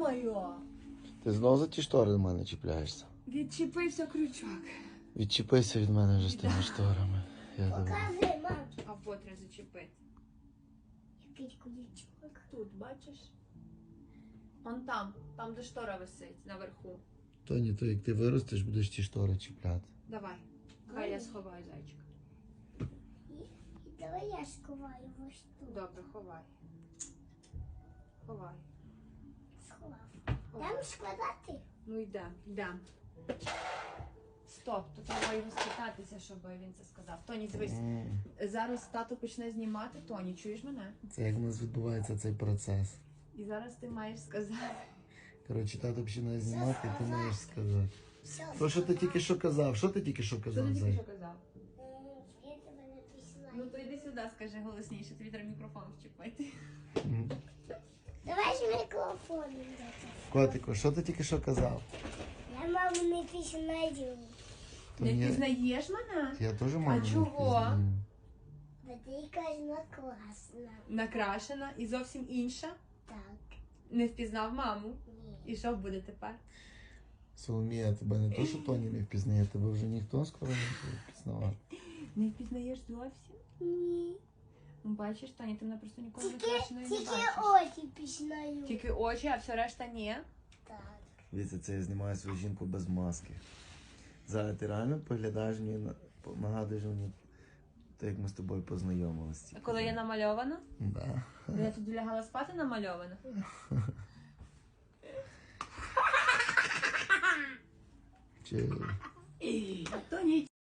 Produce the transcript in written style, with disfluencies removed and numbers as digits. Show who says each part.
Speaker 1: Йо-моє!
Speaker 2: Ти знову за ті штори до мене чіпляєшся?
Speaker 1: Відчепився крючок.
Speaker 2: Відчепися від мене вже з тими шторами. Я тебе...
Speaker 3: Покажи, мам.
Speaker 1: А вот треба зачепити.
Speaker 3: Який куличок.
Speaker 1: Тут, бачиш? Он там де штора висить, наверху.
Speaker 2: Тоні, то як ти виростеш, будеш ті штори чіпляти.
Speaker 1: Давай. Хай я сховаю зайчика.
Speaker 3: І давай я сховаю ось тут.
Speaker 1: Добре, ховай. Ховай.
Speaker 3: Сховав.
Speaker 1: Ховай.
Speaker 3: Там складати?
Speaker 1: Ну йдем. Стоп, тут треба його спитатися, щоб він це сказав. Тоні, дивись, зараз тато почне знімати. Тоні, чуєш мене?
Speaker 2: Це як у нас відбувається цей процес.
Speaker 1: І зараз ти маєш сказати.
Speaker 2: Коротше, тато починає знімати, і ти маєш сказати.
Speaker 3: Все.
Speaker 2: Що ти тільки що казав? Що ти тільки що
Speaker 1: Що
Speaker 2: казав,
Speaker 1: ти тільки
Speaker 2: Зай?
Speaker 1: що казав?
Speaker 3: Я тебе написала.
Speaker 1: Ну то йди сюди, скажи голосніше, тобі треба мікрофон вчепити.
Speaker 2: Мгм.
Speaker 3: Давай ж мікрофон.
Speaker 2: Котику, що ти тільки що казав?
Speaker 3: Я маму не пізнаю.
Speaker 2: То
Speaker 1: Не
Speaker 2: ні-
Speaker 1: пізнаєш мене?
Speaker 2: Я теж маму не
Speaker 1: чого?
Speaker 2: впізнаю.
Speaker 3: Бо ти кажна класна.
Speaker 1: Накрашена і зовсім інша.
Speaker 3: Так.
Speaker 1: Не впізнав маму.
Speaker 3: Ні.
Speaker 1: І що буде тепер?
Speaker 2: Соломія, тебе не то, що Тоні не впізнає, тебе вже ніхто скоро не буде впізнавати.
Speaker 1: Не впізнаєш зовсім?
Speaker 3: Ні.
Speaker 1: Ну, бачиш, Тоні, ти мене просто ніколи
Speaker 3: Тільки,
Speaker 1: накрашеною не
Speaker 3: тільки
Speaker 1: бачиш.
Speaker 3: очі пізнаю.
Speaker 1: Тільки очі, а все решта ні.
Speaker 3: Так.
Speaker 2: Дивіться, це я знімаю свою жінку без маски. Зараз ти реально поглядаєш мені, нагадуєш мені, те, як ми з тобою познайомилися.
Speaker 1: А коли я намальована?
Speaker 2: Да.
Speaker 1: Де я тоді лягала спати намальована?
Speaker 2: Чи...
Speaker 1: Тоні,